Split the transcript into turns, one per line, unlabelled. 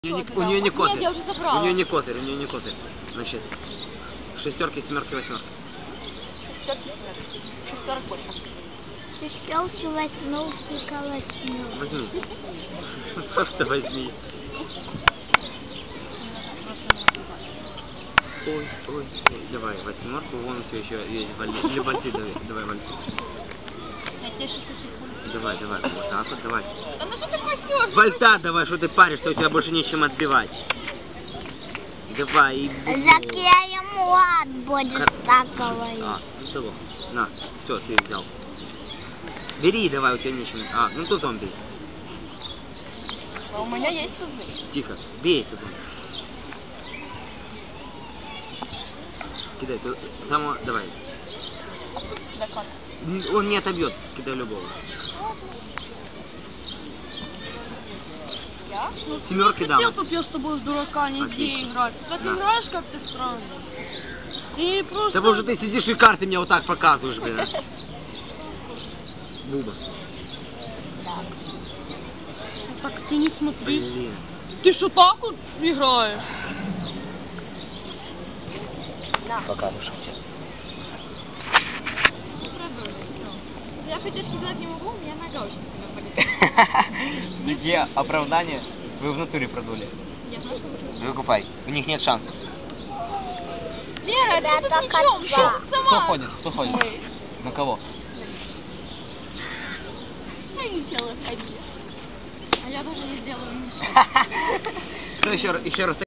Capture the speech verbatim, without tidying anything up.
У нее, не, у нее не козырь.
Нет, я уже забрала.
У нее не козырь, у нее не козырь. Значит, шестерки, семерки, восьмерки.
Шестерки, семерки. Шестерок больше.
Шестерки, восьмерки, восьмерки.
Возьми. Просто возьми. Ой, ой, ой. Давай, восьмерку, вон все еще есть вальты. Или вальты, давай, давай вальты. Давай, давай, вот так вот, давай.
Да ну что ты пасешь?
Вальта давай, что ты паришься, у тебя больше нечем отбивать. Давай, и
Так я ему ад будет
Кар...
так говорить.
А, ну что, на, все, ты взял. Бери, давай, у тебя нечем. А, ну тузом бей.
А у меня есть тузы.
Тихо, бей тузом. Кидай, ты, там, давай.
Да как?
Он не отобьет, кидай любого.
Я?
Ну,
Семерки дам.
хотел, чтоб я с тобой с дурака не иди играть. Ты так
Да.
играешь как-то странно. Ты просто...
Да может ты сидишь и карты мне вот так показываешь, блин. Буба.
Так ты не смотри.
Блин.
Ты что так вот играешь?
Покажешь.
Я хотеть сказать не могу, у меня нога очень сильно болит.
Где оправдание? Вы в натуре продули.
Я знаю, что вы...
Выкупай. У них нет шансов.
Лера,
Да,
ты тут
только
ничем,
два.
сама.
Кто ходит? Кто ходит?
Мы.
На кого?
Я не делаю ходить. А я даже не сделаю ничего.
Кто еще, еще раз?